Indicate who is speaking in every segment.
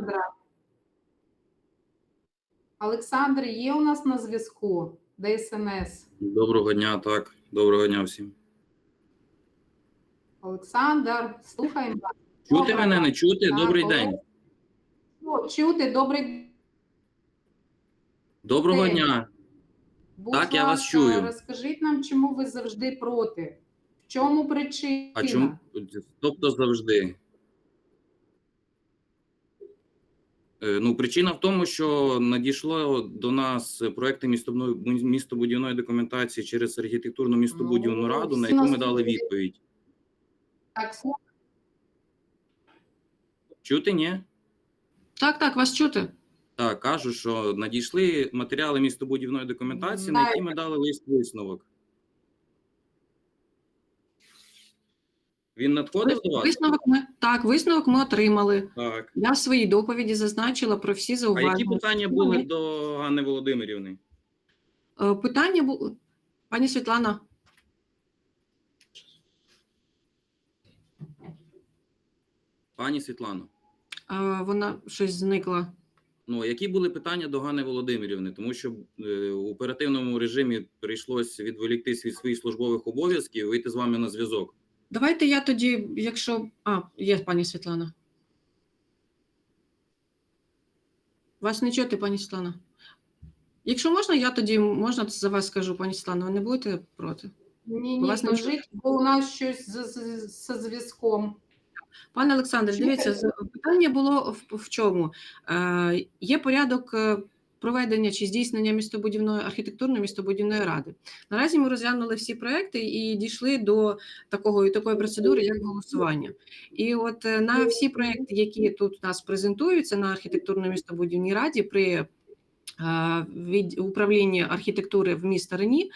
Speaker 1: Олександра. Олександр є у нас на зв'язку? ДСНС.
Speaker 2: Доброго дня, так. Доброго дня всім.
Speaker 1: Олександр, слухаємо вас.
Speaker 2: Чути мене, не чути? Добрий день.
Speaker 1: Чути, добрий
Speaker 2: Доброго
Speaker 1: день.
Speaker 2: дня.
Speaker 1: Будь
Speaker 2: Так, я вас
Speaker 1: ласка,
Speaker 2: чую.
Speaker 1: розкажіть нам, чому ви завжди проти? В чому причина?
Speaker 2: А чому? Тобто завжди. Причина в тому, що надійшло до нас проекти містобудівної документації через архітектурну містобудівну раду, на яку ми дали відповідь.
Speaker 1: Так,
Speaker 2: Чути, ні?
Speaker 3: Так, вас чути.
Speaker 2: Так, кажу, що надійшли матеріали містобудівної документації, на які ми дали лист-висновок. Він надходив до вас?
Speaker 3: Висновок ми отримали.
Speaker 2: Так.
Speaker 3: Я в своїй доповіді зазначила про всі зауваження.
Speaker 2: А які питання були до Ганни Володимирівни?
Speaker 3: Питання було... Пані Світлана.
Speaker 2: Пані Світлано.
Speaker 3: Вона щось зникла.
Speaker 2: Які були питання до Ганни Володимирівни? Тому що в оперативному режимі прийшлося відволіктись від своїх службових обов'язків і вийти з вами на зв'язок.
Speaker 3: Давайте я тоді, якщо... Є пані Світлана. Вас не чути, пані Світлана? Якщо можна, я тоді, можна за вас скажу, пані Світлана, ви не будете проти?
Speaker 1: Ні, скажіть, бо у нас щось зі зв'язком.
Speaker 3: Пане Олександр, дивіться, питання було в чому? Є порядок проведення чи здійснення архітектурної містобудівної ради. Наразі ми розглянули всі проекти і дійшли до такої процедури, як голосування. І от на всі проекти, які тут у нас презентуються на архітектурно містобудівній раді при управлінні архітектури в місті Рені,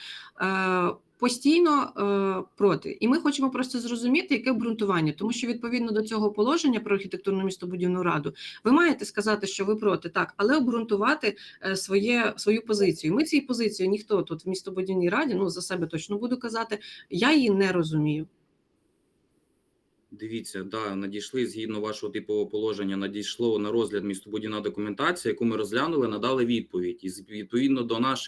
Speaker 3: постійно проти. І ми хочемо просто зрозуміти, яке обґрунтування, тому що відповідно до цього положення про архітектурну містобудівну раду ви маєте сказати, що ви проти, так, але обґрунтувати свою позицію. Ми цієї позиції, ніхто тут в містобудівній раді, за себе точно буду казати, я її не розумію.
Speaker 2: Дивіться, надійшли, згідно вашого типового положення, надійшло на розгляд містобудівна документація, яку ми розглянули, надали відповідь. І відповідно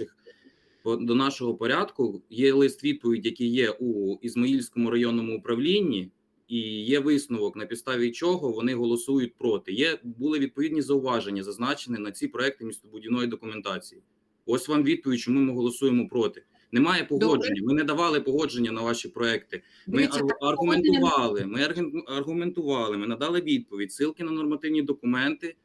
Speaker 2: до нашого порядку є лист-відповідь, який є у Ізмаїльському районному управлінні, і є висновок, на підставі чого вони голосують проти. Були відповідні зауваження, зазначені на ці проекти містобудівної документації. Ось вам відповідь, чому ми голосуємо проти. Немає погодження, ми не давали погодження на ваші проекти. Ми аргументували, ми надали відповідь, ссылки на нормативні документи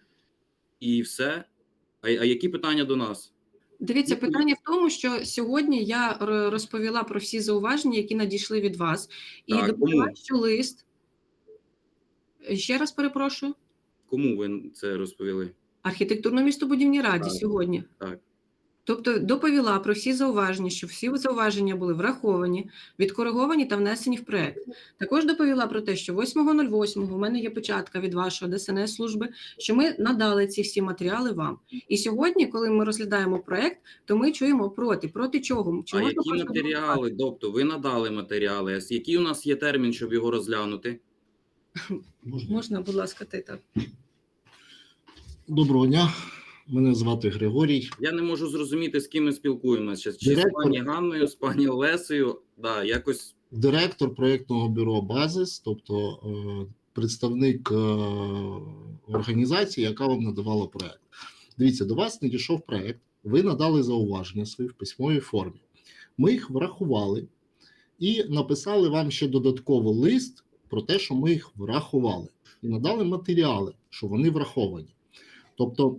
Speaker 2: і все. А які питання до нас?
Speaker 3: Дивіться, питання в тому, що сьогодні я розповіла про всі зауваження, які надійшли від вас. І доповіла, що лист... Ще раз перепрошую.
Speaker 2: Кому ви це розповіли?
Speaker 3: Архітектурно-містобудівній раді сьогодні.
Speaker 2: Так.
Speaker 3: Тобто доповіла про всі зауваження, що всі зауваження були враховані, відкориговані та внесені в проект. Також доповіла про те, що 8.08 в мене є печатка від вашої ДСНС-служби, що ми надали ці всі матеріали вам. І сьогодні, коли ми розглядаємо проект, то ми чуємо проти. Проти чого?
Speaker 2: А які матеріали? Тобто ви надали матеріали, а який у нас є термін, щоб його розглянути?
Speaker 3: Можна, будь ласка, ти так.
Speaker 4: Доброго дня. Мене звати Григорій.
Speaker 2: Я не можу зрозуміти, з ким ми спілкуємося. Чи з пані Ганною, з пані Олесею. Якось...
Speaker 4: Директор проєктного бюро «Базис», тобто представник організації, яка вам надавала проєкт. Дивіться, до вас надійшов проєкт, ви надали зауваження свої в письмовій формі. Ми їх врахували і написали вам ще додатково лист про те, що ми їх врахували. І надали матеріали, що вони враховані. Тобто,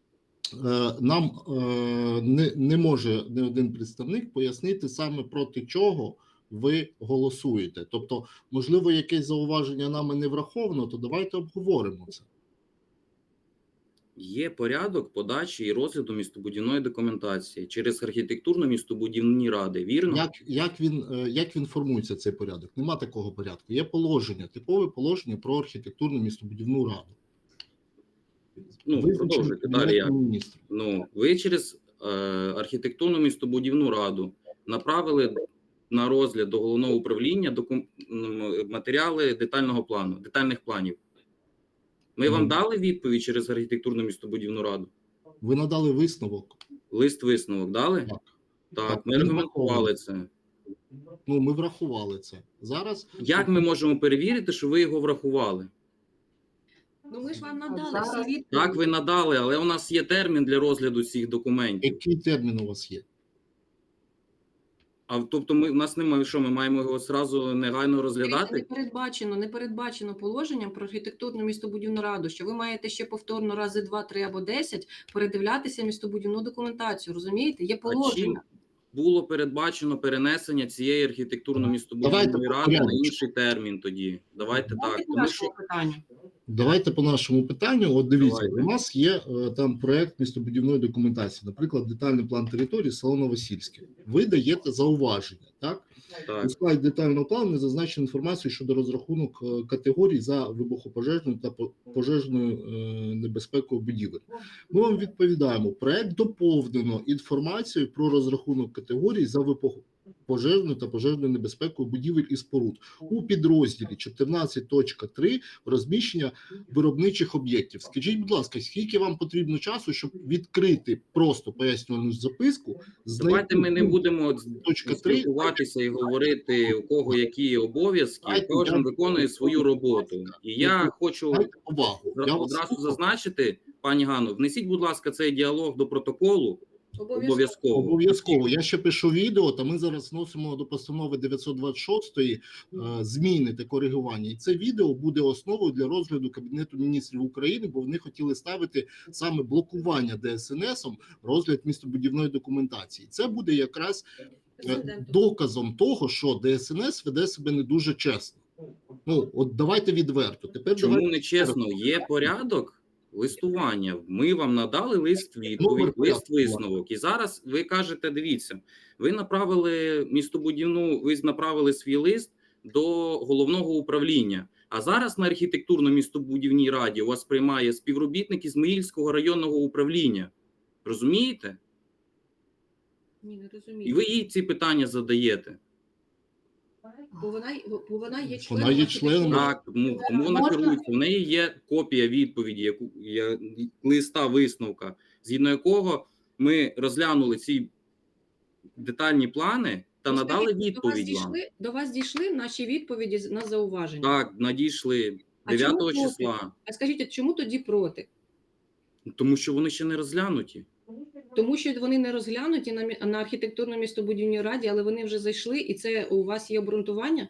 Speaker 4: нам не може ні один представник пояснити саме проти чого ви голосуєте. Тобто, можливо, якесь зауваження нами не враховано, то давайте обговоримо це.
Speaker 2: Є порядок подачі і розгляду містобудівної документації через архітектурно-містобудівні ради, вірно?
Speaker 4: Як він формується, цей порядок? Нема такого порядку. Є положення, типове положення про архітектурну містобудівну раду.
Speaker 2: Продовжуйте далі. Ви через архітектурну містобудівну раду направили на розгляд до головного управління матеріали детальних планів. Ми вам
Speaker 4: Ну.
Speaker 2: дали відповідь через архітектурну містобудівну раду?
Speaker 4: Ви надали висновок.
Speaker 2: Лист-висновок дали?
Speaker 4: Так.
Speaker 2: Так, ми
Speaker 4: він
Speaker 2: аргументували
Speaker 4: врахований.
Speaker 2: це.
Speaker 4: Ну, ми врахували це. Зараз
Speaker 2: Як ми можемо перевірити, що ви його врахували?
Speaker 3: Ну ми ж вам надали
Speaker 1: Зараз-
Speaker 3: всі відповіді.
Speaker 2: Так, ви надали, але у нас є термін для розгляду цих документів.
Speaker 4: який термін у вас є?
Speaker 2: А тобто у нас немає, що ми маємо його зразу негайно
Speaker 3: Не
Speaker 2: розглядати?
Speaker 3: передбачено положенням про архітектурну містобудівну раду, що ви маєте ще повторно рази 2, 3 або 10 передивлятися містобудівну документацію. Розумієте? Є
Speaker 2: А чим
Speaker 3: положення.
Speaker 2: було передбачено перенесення цієї
Speaker 4: Давайте
Speaker 2: архітектурно-містобудівної
Speaker 4: по
Speaker 2: ради на
Speaker 4: порядку.
Speaker 2: інший термін тоді? Давайте
Speaker 3: Давайте
Speaker 2: так.
Speaker 3: по
Speaker 2: Тому що
Speaker 3: нашому питанню.
Speaker 4: Давайте по нашому питанню. От дивіться,
Speaker 2: Давайте.
Speaker 4: у нас є там проект містобудівної документації, наприклад, детальний план території село Новосільське. Ви даєте зауваження, так?
Speaker 2: так.
Speaker 4: У складі детального плану не зазначено інформацію щодо розрахунок категорій за вибухопожежною та пожежною небезпекою будівель. Ми вам відповідаємо, проект доповнено інформацією про розрахунок категорій за вибухопожежною та пожежною небезпекою будівель і споруд у підрозділі 14.3 розміщення виробничих об'єктів. Скажіть, будь ласка, скільки вам потрібно часу, щоб відкрити просто пояснювальну записку?
Speaker 2: Давайте ми не будемо
Speaker 4: точка 3.
Speaker 2: спілкуватися і говорити, у кого які обов'язки,
Speaker 4: Давайте,
Speaker 2: кожен
Speaker 4: я-
Speaker 2: виконує свою роботу. І я хочу
Speaker 4: Дайте увагу. Я вас
Speaker 2: одразу
Speaker 4: слухаю.
Speaker 2: зазначити, пані Ганно, внесіть, будь ласка, цей діалог до протоколу обов'язково.
Speaker 4: Обов'язково. Я ще пишу відео, та ми зараз вносимо до постанови 926 зміни та коригування. І це відео буде основою для розгляду Кабінету міністрів України, бо вони хотіли ставити саме блокування ДСНСом розгляд містобудівної документації. Це буде якраз доказом того, що ДСНС веде себе не дуже чесно. Ну, от давайте відверто. Тепер
Speaker 2: Чому
Speaker 4: давайте
Speaker 2: не чесно? Є порядок листування. Ми вам надали лист відповідь,
Speaker 4: Номер
Speaker 2: лист висновок. І зараз ви кажете, дивіться, ви направили свій лист до головного управління. А зараз на архітектурно-містобудівній раді у вас приймає співробітник Ізмаїльського районного управління. Розумієте?
Speaker 3: Ні, не
Speaker 2: І
Speaker 3: розумію.
Speaker 2: ви їй ці питання задаєте.
Speaker 3: Бо вона є членом.
Speaker 4: Вона є членом.
Speaker 2: Так, тому вона
Speaker 1: Можна?
Speaker 2: керується. В неї є копія відповіді, листа висновка, згідно якого ми розглянули ці детальні плани та надали
Speaker 3: Скажіть,
Speaker 2: відповідь вам.
Speaker 3: До вас дійшли наші відповіді на зауваження.
Speaker 2: Так, надійшли
Speaker 3: А
Speaker 2: 9
Speaker 3: чому проти?
Speaker 2: числа,
Speaker 3: А скажіть, а чому тоді проти?
Speaker 2: тому що вони ще не розглянуті.
Speaker 3: Тому що вони не розглянуті на архітектурно-містобудівній раді, але вони вже зайшли, і це у вас є обґрунтування?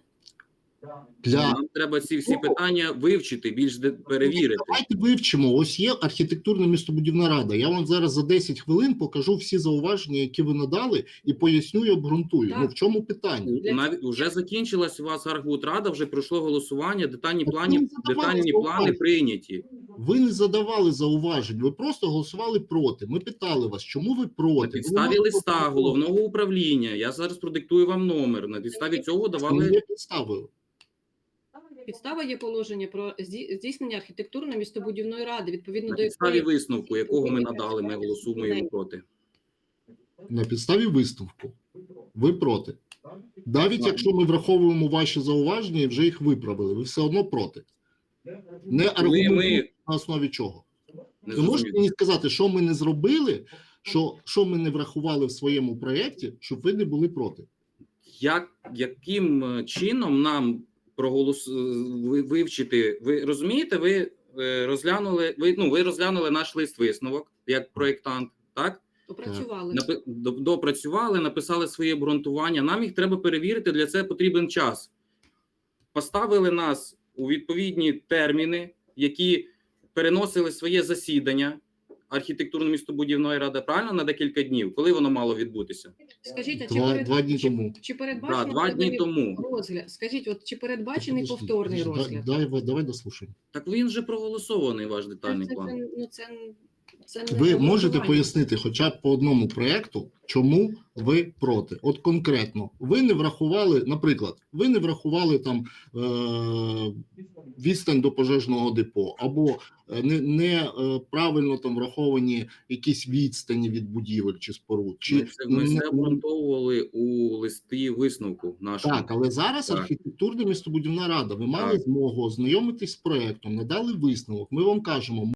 Speaker 4: для
Speaker 2: Нам треба ці всі питання вивчити, перевірити.
Speaker 4: Давайте вивчимо. Ось є архітектурна містобудівна рада. Я вам зараз за 10 хвилин покажу всі зауваження, які ви надали, і поясню і обґрунтую.
Speaker 3: Так.
Speaker 4: Ну в чому питання?
Speaker 2: Навіть вже закінчилась у вас архбудрада, вже пройшло голосування, детальні
Speaker 4: Так
Speaker 2: плани,
Speaker 4: ви задавали
Speaker 2: детальні
Speaker 4: зауваження.
Speaker 2: плани прийняті.
Speaker 4: Ви не задавали зауважень, ви просто голосували проти. Ми питали вас, чому ви проти?
Speaker 2: На
Speaker 4: Ви
Speaker 2: підставі
Speaker 4: можете
Speaker 2: листа
Speaker 4: проти.
Speaker 2: головного управління. Я зараз продиктую вам номер. На підставі цього
Speaker 4: Це не
Speaker 2: давали.
Speaker 4: є підставою.
Speaker 3: Підстава є положення про здійснення архітектурно-містобудівної ради, відповідно
Speaker 2: На
Speaker 3: до
Speaker 2: підставі
Speaker 3: якої
Speaker 2: висновку, якого ми надали, ми голосуємо проти.
Speaker 4: На підставі висновку. Ви проти. Навіть якщо ми враховуємо ваші зауваження і вже їх виправили, ви все одно проти. Не аргументуєте на основі чого.
Speaker 2: Не
Speaker 4: Ви можете
Speaker 2: зрозуміло.
Speaker 4: мені сказати, що ми не зробили, що ми не врахували в своєму проєкті, щоб ви не були проти?
Speaker 2: Яким чином нам вивчити? Ви розумієте, ви розглянули наш лист висновок як проєктант, так?
Speaker 3: опрацювали.
Speaker 2: Допрацювали, написали своє обґрунтування. Нам їх треба перевірити, для цього потрібен час. Поставили нас у відповідні терміни, які переносили своє засідання архітектурно-містобудівної ради, правильно, на декілька днів. Коли воно мало відбутися?
Speaker 3: Скажіть, а
Speaker 4: Два дні тому.
Speaker 3: чи
Speaker 2: Да,
Speaker 3: передбачений
Speaker 2: 2 дні тому.
Speaker 3: розгляд? Скажіть, от чи передбачений
Speaker 4: Подожди,
Speaker 3: повторний
Speaker 4: подожди,
Speaker 3: розгляд?
Speaker 4: Давай дослухаємо.
Speaker 2: Так він вже проголосований, ваш детальний план.
Speaker 3: Це не
Speaker 4: Ви
Speaker 3: обґрунтування.
Speaker 4: можете пояснити хоча б по одному проєкту, чому ви проти? От конкретно, ви не врахували, наприклад, ви не врахували там відстань до пожежного депо, або правильно там враховані якісь відстані від будівель чи споруд. Чи
Speaker 2: Ми це обґрунтовували у листі висновку нашому.
Speaker 4: так, але зараз
Speaker 2: Так.
Speaker 4: архітектурна містобудівна рада, ви мали
Speaker 2: Так.
Speaker 4: змогу ознайомитись з проєктом, надали висновок, ми вам кажемо,